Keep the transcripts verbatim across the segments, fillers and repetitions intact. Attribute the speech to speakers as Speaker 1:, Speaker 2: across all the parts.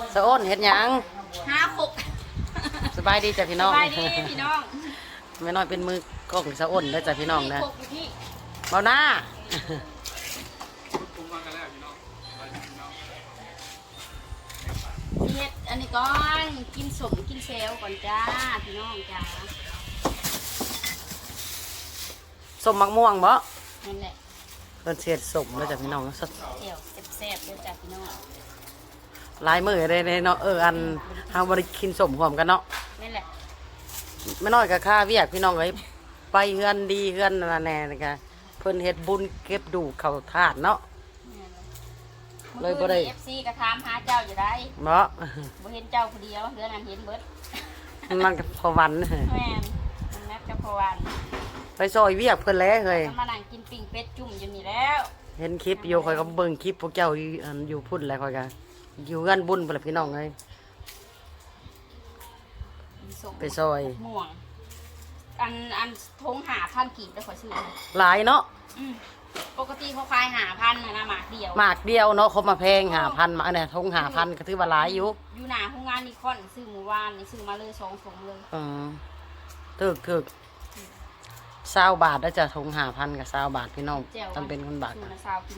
Speaker 1: สะอ้นเฮ็ดหยัง
Speaker 2: ห้าหก
Speaker 1: สบายดีจ้ะพี่น้อง
Speaker 2: สบายดีพี่น้อง
Speaker 1: แม่น้อยเป็นมือกล้องสะอ้นได้จ้ะพี่น้องนะเบาหน้า
Speaker 2: เฮ็ดอันนี้ก่อนกินสมกินเซลก่อนจ้าพี่น้องจ้า
Speaker 1: สมมักม่วงบ่
Speaker 2: นั่นแหละ
Speaker 1: เพิ่นเสียดสมได้จ้ะพี่น้องสด
Speaker 2: เจียวแซ่บๆด้วยจ้าพี่น้อง
Speaker 1: ลายมือได้เนาะเอออันเฮาบ่ได้กินสมพร้อมกันเนาะ
Speaker 2: นั่นแหละ
Speaker 1: แม่น้อยก็ค่าเวียกพี่น้องเอ้ยไปเฮือนดีเฮือนนั่นแน่นี่ก็เพิ่นเฮ็ดบุญเก็บดูเข้าธาตุเนาะเลยบ่ได้
Speaker 2: เอฟซีก็ถามหาเจ้าอยู่ได้
Speaker 1: เนาะ
Speaker 2: บ่เห็นเจ้าผู้เดียวเฮือนนั้นเห็นเบิด
Speaker 1: นั่นก็พอวัน
Speaker 2: แม่นมันนัดกับพอวัน
Speaker 1: ไปซอยเวียกเพิ่นแล้วเฮ้ย
Speaker 2: มานั่งกินปิ้งเป็ดจุ่มอยู่นี่แล้ว
Speaker 1: เห็นคลิปอยู่ข่อยก็เบิ่งคลิปพวกเจ้าอยู่อันอยู่พุ่นแล้วข่อยก็อยู่กันบุญพุ่นล่ะพี่น้องเอ้ยไปซอย
Speaker 2: ม่วงอันอันทงหาพันกีบได้ขอซื้อ
Speaker 1: หลายเนาะ
Speaker 2: ปกติเขาขายหาพันนะนะหมากเดียว
Speaker 1: หมากเดียวเนาะเขามาแพงหาพันมาเนี่ยทงหาพันก็ถือว่าหลายอยู่
Speaker 2: อยู่หนาโรงงานนิคอนซื้อหมู่บ้านนี่ซื้อมาเลยสองถุงเลย
Speaker 1: อ๋อถึกถึกเศร้าบาทได้จะทงหาพันกับเศร้าบาทพี่น้องจำเป็นคนบาทกัน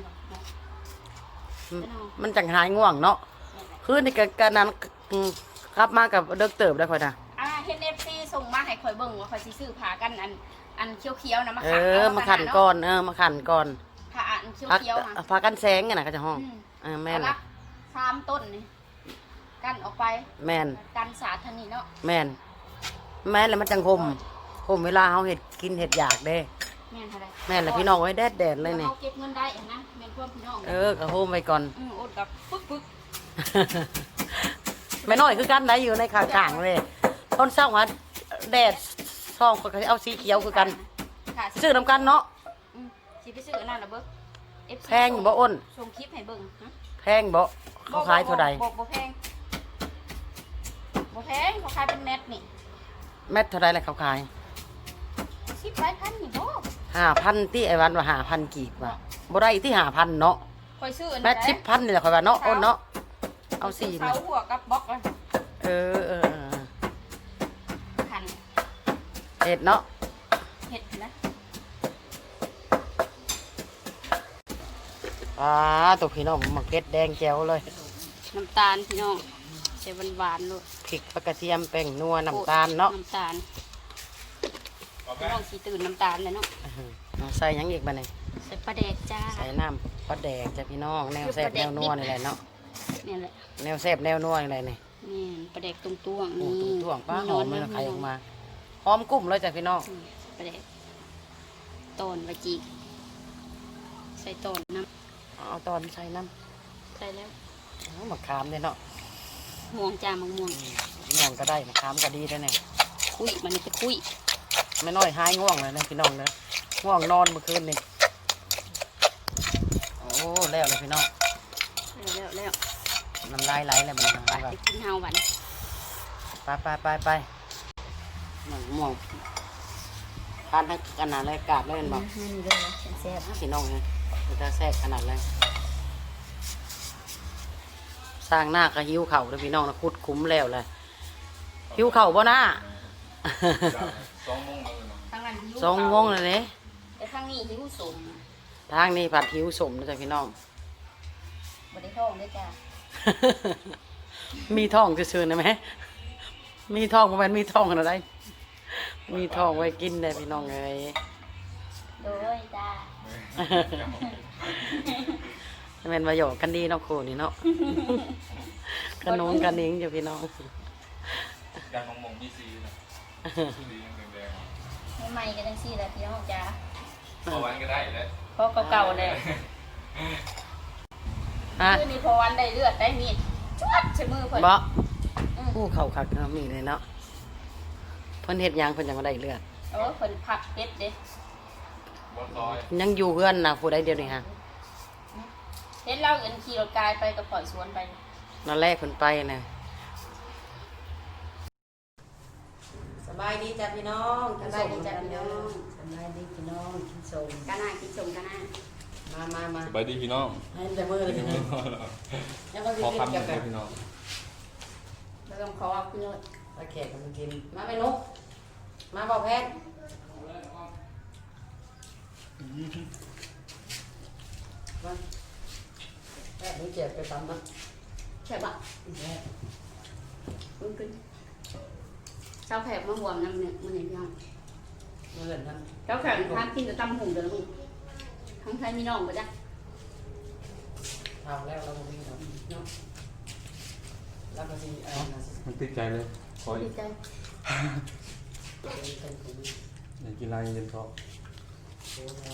Speaker 1: มันจังหายง่วงเนาะคือในการนั้นครับมากับเด็กเติบได้ค่อยนะ
Speaker 2: อ่าเฮนเอฟซีส่งมาให้ข่อยเบิ่งว่าข่อยสิซื้อผ้ากันอันอันเขียวๆนะมา
Speaker 1: ขันเออมาขันก่อนเออมาขันก่อน
Speaker 2: ผ้าอันเขียวๆ
Speaker 1: ค่ะผ้ากันแสงไงนะก็จะห้องเออแม่นละ
Speaker 2: สามต้นนี่กันออกไป
Speaker 1: แม่น
Speaker 2: กันสาธนีเนาะ
Speaker 1: แม่นแม่นแล้วมันจังคมคมเวลาเขาเห็ดกินเห็ดอยากเด้
Speaker 2: แม่นอะไร
Speaker 1: แม่นแล้วพี่น้องไว้แดดแดดเลยเนี่ย
Speaker 2: เขาเก็บเงินได้นะแม่นพวกพี่น้อง
Speaker 1: เออกระโฮมไปก่อน
Speaker 2: อืออดกับปึ๊กปึ๊ก
Speaker 1: ไม่น้อยคือกันได้อยู่ในขางๆเลยต้นเศร้ามาแดดซองก็เอาสีเขียวคือกันซื้อน้ำกันเนาะ
Speaker 2: สิไปซื้อนั่นน่ะเบิ้ง
Speaker 1: แพงบ่อ้น
Speaker 2: ส่งคลิปให้เบิ้ง
Speaker 1: แพงบ่เขาขายเท่าใด
Speaker 2: บ่บ่แพงบ่แพงเขาขายเป็นเม็ดนี่
Speaker 1: เม็ดเท่าใดเลยเขาขาย
Speaker 2: สิบหลายพันนี่บ่
Speaker 1: ห้าพันที่ไอ้วันว่าห้าพันกีบว่ะบ่ได้ที่ห้าพันเนาะ
Speaker 2: คอยซื้อ
Speaker 1: แม็ดสิบพันนี่แหละคอยว่าเนาะอ้นเนาะเอาสี่
Speaker 2: เสาหัวกับบล็อกเลย
Speaker 1: เออเออ
Speaker 2: พัน
Speaker 1: เห็ดเนาะ
Speaker 2: เห็ดนะ
Speaker 1: อ่าตัวพี่น้องมักเก็ดแดงแจ๋วเลย
Speaker 2: น้ำตาลพี่น้องใส่หวานๆลูก
Speaker 1: พริกกระเทียมแป้งนัวน้ำตาลเนาะ
Speaker 2: น้ำตาลพี่น้องสีตื่นน้ำตาลเลยเนาะ
Speaker 1: ใส่ยังอีกบ้านี่
Speaker 2: ใส่ปลาแดกจ้า
Speaker 1: ใส่น้ำปลาแดกจ้ะพี่น้องแนวแซ่บแนวนัวนี่แหละเนาะ
Speaker 2: นี่แหละ
Speaker 1: แนวแซ่บแนวนัวอะไรนี่
Speaker 2: นี่ปลาแดกตรงตัวนี่
Speaker 1: ตัวป้าหอมเลยไข่ออกมาหอมกุ้มเลยจ้ะพี่น้อง
Speaker 2: ปลาแดกต้นวาจีใส่ต้นน้
Speaker 1: ำเอาตอนใส่น้
Speaker 2: ำใส่แล้ว
Speaker 1: มะขามเลยเนาะ
Speaker 2: ม่วงจ้ามะม่วง
Speaker 1: ม่วงก็ได้มะขามก็ดีด้วยเนี่ย
Speaker 2: คุยมันจะคุย
Speaker 1: ไม่น้อยหายง่วงเลยนะพี่น้องนะง่วงนอนเมื่อคืนนี่โอ้แล้วเลยพี่น้อง
Speaker 2: แล้วแล้ว
Speaker 1: น้ำลายไหลเลยมัน
Speaker 2: ไปกินเฮาบัน
Speaker 1: ไปไปไปไปหนังม่วงทานทั้งขนาดเลยกาดเลยเห็นบอก
Speaker 2: แซ่บ
Speaker 1: พี่น้องนะจะแซ่บขนาดเลยสร้างหน้าก็หิวเข่าเลยพี่น้องนะคุดคุ้มแล้วเลยหิวเข่าบ่หน้า
Speaker 3: สองโมง
Speaker 1: สองโมงเลยเนี่ย
Speaker 2: แต่ทางนี้หิวสม
Speaker 1: ทางนี้ผัดหิวสมนะจ๊ะพี่น้อง
Speaker 2: บริท้องด้วยจ้า
Speaker 1: มีท้องจะซื้อนะไหมมีท้องประมาณมีท้องอะไรมีท้องไว้กินได้พี่น้องเลย
Speaker 2: โดยจ้า
Speaker 1: เป็นประโยชน์กันดีเนาะครูนี่เนาะขนมกันเองอยู่พี่น้อง
Speaker 3: การมองมองมีซีนะซีแดง
Speaker 2: ๆใหม่ๆกันจังซี่แหละพี่น้องจ้า
Speaker 3: พอวันก็ได้เลย
Speaker 2: เพราะเก่าๆเลยคือนี่พอวันได้เลือดได้มีดชวดใช้มือเพิ่น
Speaker 1: บ่ผู้เข่าขัดมีเลยเนาะเพิ่นเฮ็ดยังเพิ่นยังมาได้เลือด
Speaker 2: เออเพิ่นผักเป็ดเด้
Speaker 1: ยังอยู่เพื่อนนะผู้ใดเดียวนี่ฮะ
Speaker 2: เห็นเราเอินขี่รถกายไปกับปล่อยสวนไป
Speaker 1: นั่นแรกเพิ่นไปนะสบายดีจ้ะพี่น้อง
Speaker 2: สบายดีจ้ะพี่น้อง
Speaker 1: สบายดีพี่น้องกินส้ม
Speaker 2: กันหน้ากินส้มกันหน้า
Speaker 1: มามามา
Speaker 3: สบายดีพี่น้อง
Speaker 1: ให้แต่มือเลยพี่น้อง
Speaker 3: พอคำหนึ่งเลยพี่น้อง
Speaker 2: เริ่มขอเอาขึ้นเลย
Speaker 1: ตะแขกกันมากินมาไม่นุกมาบอกแพทย์มาแพทย์นี่เจ็บไปตำนะ
Speaker 2: ใช่ปะ
Speaker 1: แพทย์
Speaker 2: มันขึ้นเจ้าแขกมาบวมน้ำเนี่ยมันเห็นยัง
Speaker 1: เมื่อเห็นนั้น
Speaker 2: เจ้าแขกทานกินแต่ตำหุ่งเดี๋ยวมึงทั้งไทยมีน้องปะจ๊ะ
Speaker 1: ทำแล้วเราไม่มีเนาะเนาะแล้วก็สิอะไรนะสิ
Speaker 3: มันติดใจเลยขอ
Speaker 2: ดีใจ
Speaker 1: เป็นเป็นของ
Speaker 3: อยากกินอะไรเย็นเพราะ
Speaker 1: โอ้โห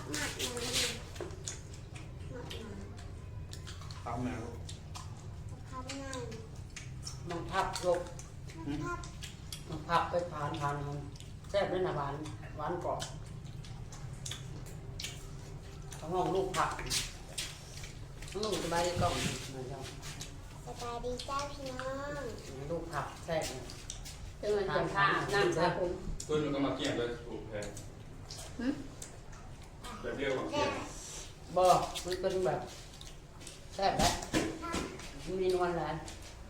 Speaker 3: ตามแมว
Speaker 1: มันพับลกมันพับไปผ่านผ่านมันแซ่บด้วยนะหวานหวานกรอบเขาห้องลูกผักลูกสบายดีกล่องนะครับ
Speaker 4: สบายดีจ้าพี่น้อง
Speaker 1: ลูกผักแซ่บ
Speaker 2: เจอมันเจ็บผ้าน้ำสาผม
Speaker 3: ต้นมันก็มาเกี่ยงเลยถูกแพงแบบเดียวกับเกี่ยง
Speaker 1: บ่มันเป็นแบบแซ่บแบบมีนวลหลาย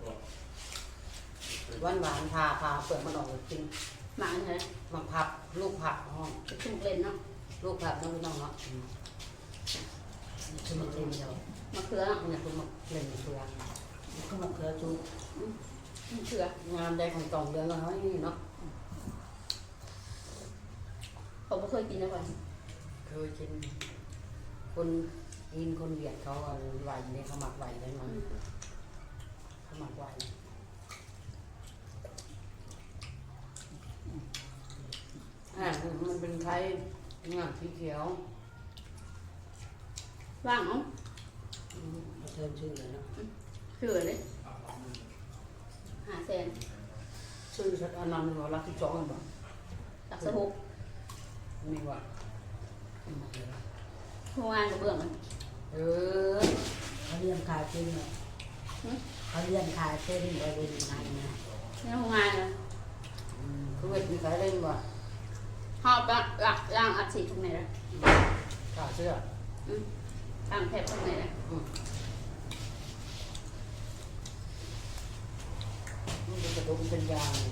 Speaker 1: หวานหวานๆผ่าผ่าเปลือกมันออกเลยกิน
Speaker 2: หมาเนี่ย
Speaker 1: มันผักลูกผักห้อง
Speaker 2: จะถูกเล่นเนาะ
Speaker 1: ลูกผักน้องน้องเนาะอืมคือมันเล่นเดียว
Speaker 2: มะเขือ
Speaker 1: มันอยากคือมันเล่นเสือมันคือมันเขือจู
Speaker 2: มะเขือง
Speaker 1: านได้ของตองเดือนละน้อยนี่เนาะ
Speaker 2: ผมไม่เคยกินนะก่อน
Speaker 1: เคยกินคนอินคนเวียดเขาเอาไหวเนี่ยเขาหมักไหวได้มั้งเขาหมักไหวอ่ามันเป็นไข่งาสีเขียว
Speaker 2: ว่างเนาะ
Speaker 1: อืมเชิญชื่อเลยเนาะ
Speaker 2: เขือเลยหาแสน
Speaker 1: ชื่อชัดอนันต์ว่ารักที่สองกันบ่
Speaker 2: ตักสะบุก
Speaker 1: มีว่า
Speaker 2: เมื่อวานกับเบื้องมัน
Speaker 1: เออเขาเรียนขายเส้นเนี่ยเขาเรียนขายเส้นไว้เป็นยังไงนะ
Speaker 2: ในโรงงานเลย
Speaker 1: อืมคือเวทมีขายเล่นว่ะ
Speaker 2: หอบละหลักล่างอัดฉีดทุกไหนละ
Speaker 1: ขาเสื้อ
Speaker 2: ล่างแผลทุกไหนละ
Speaker 1: อืมมันเป็นกระดูกเป็นยาง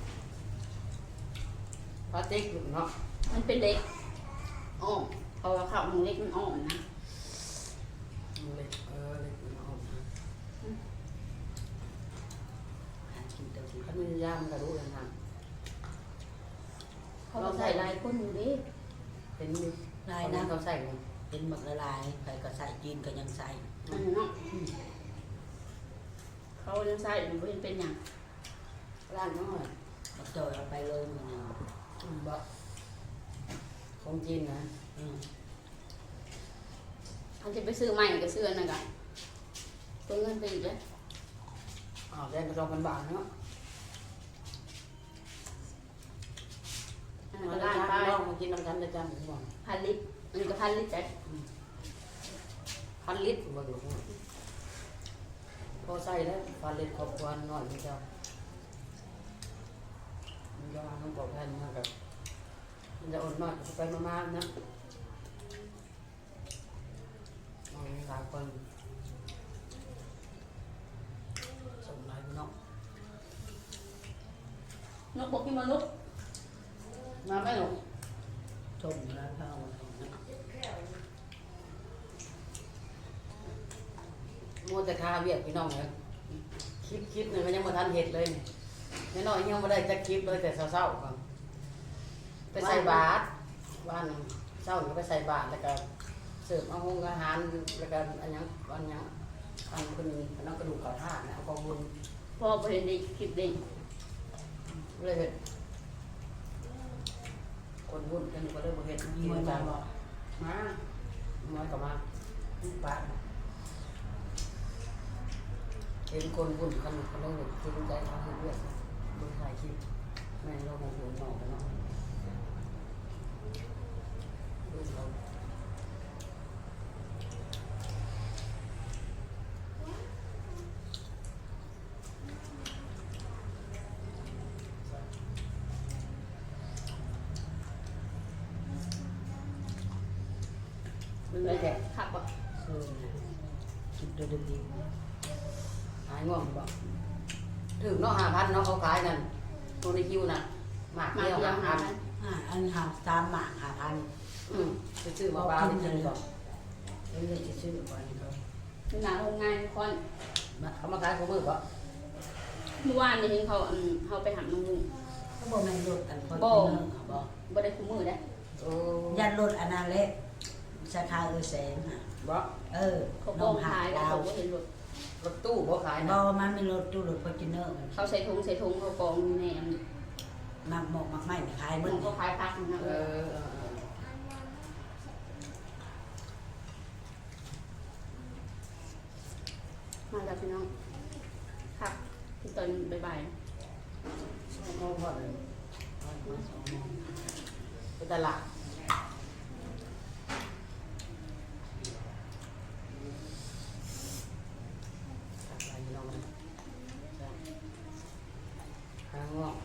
Speaker 1: พลาสติกอยู่เนาะ
Speaker 2: มันเป็นเล็กอ้อมเพราะว่าข้าวมันเล็กมันอ้อมนะ
Speaker 1: มันเล็กเออเล็กมันออกนะถ้ามียางมันกระดูกอย่างนั้น
Speaker 2: เขาก็ใส่ลายก้นอยู่ดิ
Speaker 1: เห็นดิ
Speaker 5: ลายนะ
Speaker 1: เขาใส่ไง
Speaker 5: เป็นหมึกละลายใครก็ใส่จีนก็ยังใส่
Speaker 2: อันนั้นเนาะเขายังใส่อยู่เป็นเป็นอย่าง
Speaker 1: ร้านน้อย
Speaker 5: มาจอยเอาไปเลยมันยัง
Speaker 1: อืมบะของจีนนะ
Speaker 5: อืม
Speaker 2: เขาจะไปซื้อใหม่ก็ซื้ออันนั้นกันตัวเงินไปอีกแล้ว
Speaker 1: อ้าวแดงกระดองพันบาทเนาะ
Speaker 2: อันนั้น
Speaker 1: มา
Speaker 2: ก็
Speaker 1: ได้
Speaker 2: ล้าน
Speaker 1: จ้า
Speaker 2: ไป
Speaker 1: ลองมากินน้ำกันได้จ้าผมบอก
Speaker 2: พันลิตรอันนี้ก็พันลิตรจ้ะ
Speaker 1: พันลิตรบ่อยู่พอใส่แล้วพันลิตรครอบครัวหน่อยนี่เจ้ามันจะต้องบอกแทนมากกับมันจะอดหน่อยไปมากๆนะเอาหลายคนส่งหลายเนาะ
Speaker 2: นกบอกกินมาลุก
Speaker 1: มาไหมหนู
Speaker 5: ชมแล้วเข้านะ
Speaker 1: มัวแต่คาเวียกพี่น้องเลยคลิปคลิปหนึ่งมันยังมาทันเห็ดเลยไม่น้อยยังไม่ได้จะคลิปเลยแต่เศร้าๆก่อนไปใส่บาตรวันเศร้าก็ไปใส่บาตรแล้วก็เสิร์ฟอาหารอาหารแล้วก็อันยังอันยังอันคนอันนั้นกระดูกเก่าท่านะเอาของบุญ
Speaker 2: พอไปเห็นในคลิปเด้ง
Speaker 1: เลยเห็ดคนบุญกันก็เลยบ่เห็ด
Speaker 5: มี
Speaker 1: กิน
Speaker 5: มัน
Speaker 1: จั
Speaker 5: มาง บอก
Speaker 1: มาน้อยก็มาปาเห็นคนบุญกันเขาเลยเห็นใจเขาเห็นเลือดบุญถ่ายคลิปแม่เราคงบุญหน่อยกันเนาะดูเรา
Speaker 2: มันเลยแต่ขับอ่ะ
Speaker 5: เออคิดดูดี
Speaker 1: หายง่วงบ่
Speaker 5: ๆ
Speaker 1: ถึงเนาะห้าพันเนาะเขาขายนั่นตัวในคิวน่ะหมาก
Speaker 2: มา
Speaker 1: เดียว
Speaker 2: เดียว
Speaker 1: ห้า
Speaker 2: หา
Speaker 1: พัน
Speaker 5: อ่าอันหาสามหมากหาพัน
Speaker 1: อืมไปซื้อมาปลาไปกินก่อน
Speaker 5: เดี๋ยวเลยจะซื้อก่อนเขา
Speaker 2: เป็นหนาโรงงานคน
Speaker 1: เขามาขายของมือปะ
Speaker 2: เมื่อวานนี่เห็นเขาอืมเขาไปหาน้องลุง
Speaker 5: เขาบอกแม่นรถอันคน
Speaker 2: บ่
Speaker 5: เนอเขาบอก
Speaker 2: บ่ได้คู่มือได้
Speaker 1: โอ้
Speaker 5: ยันรถอนาเล็กสาขาเออแสงค่ะ
Speaker 1: บ่
Speaker 5: เออ
Speaker 2: เขา
Speaker 5: น้
Speaker 2: บ้
Speaker 5: อ
Speaker 2: อง ง
Speaker 5: หา
Speaker 2: ขายแล้ว
Speaker 5: ดาว
Speaker 2: เขาก็เห็นรถ
Speaker 1: รถตู้บ่ขาย
Speaker 5: บ
Speaker 1: นะ
Speaker 5: อมันมีรถตู้รถฟอร์จูเนอร์มัน
Speaker 2: เขาใส่ถุงใส่ถุงเขากองอยู่ในอัน
Speaker 5: มักหมอกมักไม้ไม่ขาย
Speaker 2: เห
Speaker 5: ห
Speaker 2: มื
Speaker 5: มึ
Speaker 2: อน
Speaker 5: ง
Speaker 2: เขาขายพักนะ
Speaker 1: เอ
Speaker 2: เออ
Speaker 1: อเออเออ
Speaker 2: มาแล้วพี่น้องค่ะที่ตอนบ่าย
Speaker 1: สองโมงพอเลยมาสองโมงไปตลาดกลับไปน้องนะจ้ะข้างนอก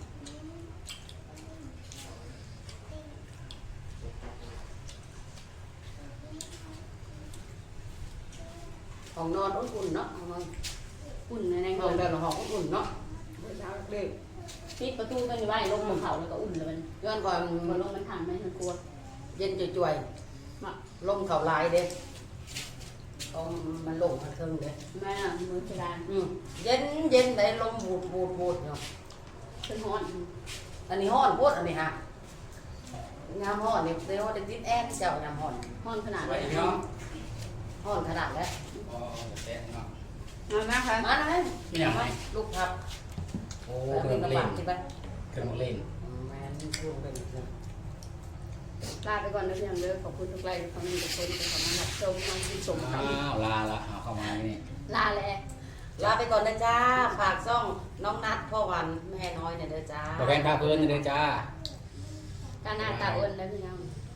Speaker 1: ห้องนอนอุ่นๆเนาะห้องนอน
Speaker 2: ๆอุ่นในใน
Speaker 1: ห้
Speaker 2: เงิ
Speaker 1: อง
Speaker 2: น
Speaker 1: เดินห้องอุ่นๆเนาะเมื่อเช้าเด็ก
Speaker 2: ปิดประตูกันอยู่ไว้ลงบนเขาแล้วก็อุ่นเลยมัน
Speaker 1: ย้อนก่อน
Speaker 2: พอลงมันทางไม่มันกลัว
Speaker 1: เย็นจ่วย
Speaker 2: มา
Speaker 1: ๆลมเขาลายเด้ต้องมันลงมาเทิงเด้
Speaker 2: แม่น่ะมือเพดาน
Speaker 1: อืมเย็นเย็นได้ลมบูดบูดบูดเนาะ
Speaker 2: เป็นฮ้อน
Speaker 1: อันนี้ห้อนโพดอันนี้ฮะยามห้อนนี่เดี๋ยวได้ติดแอร์เจ้ายามห้อน
Speaker 2: ฮ้อนขนาด
Speaker 3: ไป
Speaker 2: เลย
Speaker 3: พี่น้อง
Speaker 1: ห้อนขนาดแล้ว
Speaker 3: อ๋อแซ่บเนาะ
Speaker 2: มามาค่ะ
Speaker 1: มาเลย
Speaker 3: ไม่อยากไหม
Speaker 1: ลูกครับ
Speaker 3: โอ้
Speaker 1: เอา
Speaker 3: เค
Speaker 1: เป็
Speaker 3: รื่
Speaker 1: น
Speaker 3: อง
Speaker 1: กระ
Speaker 3: เล่
Speaker 1: ป๋าน งที่ไป
Speaker 3: เครื่องเล่น
Speaker 1: แม่นลูกเป็นนะ
Speaker 2: ลาไปก่อนนะพี่น้องเด้อขอบคุณทุกไลค์ทุกคอมเมนต์ทุกคนที่เข้ามารับชมน้องกินสมกัน
Speaker 3: อ้าวลาละเอาเข้ามานี่
Speaker 2: ลาแล้ว
Speaker 1: ลาไปก่อนนะจ้าฝากซ่องน้องนัดพ่อวันแม่น้อยเนี่ยเด้อจ้า
Speaker 3: ตัวแฟนพาเพื่อนเด้อจ้า
Speaker 2: การหน้าตาอ้วนแล้วพี่น้อง
Speaker 1: จ